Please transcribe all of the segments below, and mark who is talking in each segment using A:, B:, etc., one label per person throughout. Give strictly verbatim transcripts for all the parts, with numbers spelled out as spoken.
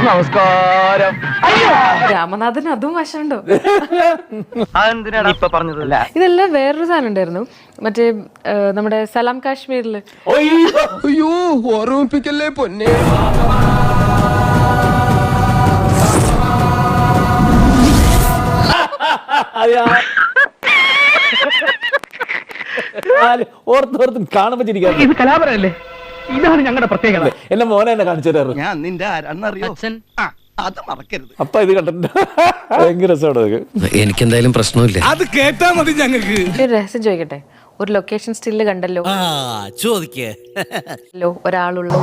A: നമസ്കാരം.
B: രാമനാഥൻ അതും വശമുണ്ടോ?
A: അതെന്തിനാണ് ഇപ്പൊ പറഞ്ഞതല്ല?
B: ഇതെല്ലാം വേറൊരു സാധനം ഉണ്ടായിരുന്നു, മറ്റേ നമ്മുടെ സലാം കാശ്മീരില്.
C: അയ്യോ ഓർമ്മിപ്പിക്കല്ലേ പൊന്നെ.
D: ഓർത്തോർത്തും കാണുമ്പോ ചിരിക്കാം.
A: ഇത് കലാപരല്ലേ? ഇതാണ് ഞങ്ങളുടെ പ്രത്യേകത.
D: എന്നെ മോനെ എന്നെ കാണിച്ചു തരാറ്.
E: ഞാൻ നിന്റെ ആരാന്നറിയോ? അത് മറക്കരുത്.
D: അപ്പൊ ഇത് കണ്ടിട്ടുണ്ട്. ഭയങ്കര രസമാണ്.
F: എനിക്കെന്തായാലും പ്രശ്നമില്ല.
C: അത് കേട്ടാ മതി ഞങ്ങൾക്ക്.
B: ഒരു രഹസ്യം ചോദിക്കട്ടെ, ഒരു ലൊക്കേഷൻ സ്റ്റില്ല് കണ്ടല്ലോ,
F: ചോദിക്കേ
B: ഒരാളുള്ള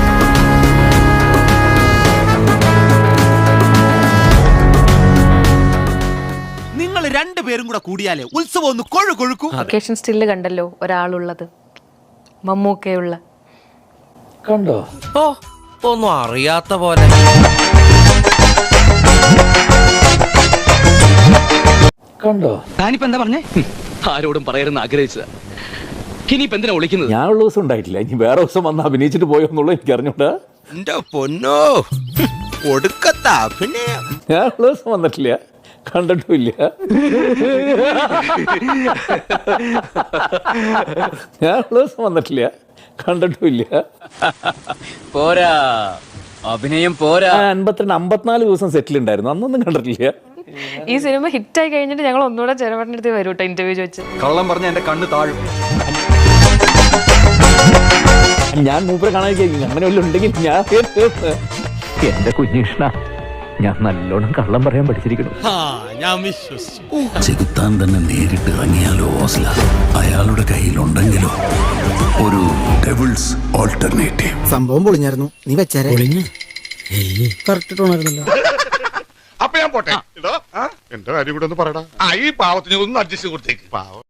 F: നിങ്ങൾ രണ്ടുപേരും കൂടെ കൂടിയാലേ ഉത്സവം ഒന്ന് കൊഴു കൊഴുക്കും.
B: ലൊക്കേഷൻ സ്റ്റില്ല് കണ്ടല്ലോ, ഒരാളുള്ളത്, മമ്മൂക്കയുള്ള.
D: കണ്ടോ?
F: ഓ, ഒന്നും അറിയാത്ത പോലെ.
D: കണ്ടോ?
A: താനിപ്പോ എന്താ പറഞ്ഞേ? ആരോടും പറയരുന്ന് ആഗ്രഹിച്ചതാ. ഇനിയിപ്പോ എന്തിനാ വിളിക്കുന്നത്?
D: ഞാനുള്ള ദിവസം ഉണ്ടായിട്ടില്ല. ഇനി വേറെ ദിവസം വന്ന് അഭിനയിച്ചിട്ട് പോയോ എന്നുള്ളത് എനിക്ക് അറിഞ്ഞൂടാ.
F: എന്റെ പൊന്നോ, ഒടുക്കത്ത അഭിനയം.
D: ഞാനുള്ള ദിവസം വന്നിട്ടില്ല, കണ്ടിട്ടുമില്ല. ഞാനുള്ള ദിവസം വന്നിട്ടില്ല, കണ്ടിട്ടുമില്ല.
A: പോരാ, അഭിനയം പോരാ.
D: അൻപത്തിരണ്ട് അമ്പത്തിനാല് ദിവസം സെറ്റിൽ ഉണ്ടായിരുന്നു, അന്നൊന്നും കണ്ടിട്ടില്ല.
B: ഈ സിനിമ ഹിറ്റായി കഴിഞ്ഞിട്ട് ഞങ്ങൾ ഒന്നുകൂടെ ചെറുപടിന്റെ അടുത്ത് വരും കേട്ടോ, ഇന്റർവ്യൂ ചോദിച്ച്.
A: കള്ളം പറഞ്ഞ എന്റെ കണ്ണ് താഴും.
D: ഞാൻ മൂപ്പരെ കാണാൻ അങ്ങനെ വല്ലതും ഉണ്ടെങ്കിൽ ഞാൻ എന്റെ കുഞ്ഞിഷ്ണ, ഞാൻ നല്ലോണം കള്ളം പറയാൻ പഠിച്ചിരിക്കണം.
G: ചെകുത്താൻ തന്നെ നേരിട്ട് ഇറങ്ങിയാലോ ഓസ്ല, അയാളുടെ കയ്യിലുണ്ടെങ്കിലോ ഒരു ഡെവിൾസ് ഓൾട്ടർനേറ്റീവ്.
H: സംഭവം പൊളിഞ്ഞായിരുന്നു, നീ വെച്ചാരേ കറക്റ്റ് ടോണായിരുന്നല്ലോ.
I: അപ്പൊ ഞാൻ പോട്ടെ. എന്റെ കാര്യം കൂടെ ഒന്ന് പറയടാ. ഈ പാവത്തിന് ഒന്ന് അഡ്ജസ്റ്റ് കൊടുത്തേക്ക്. പാവം.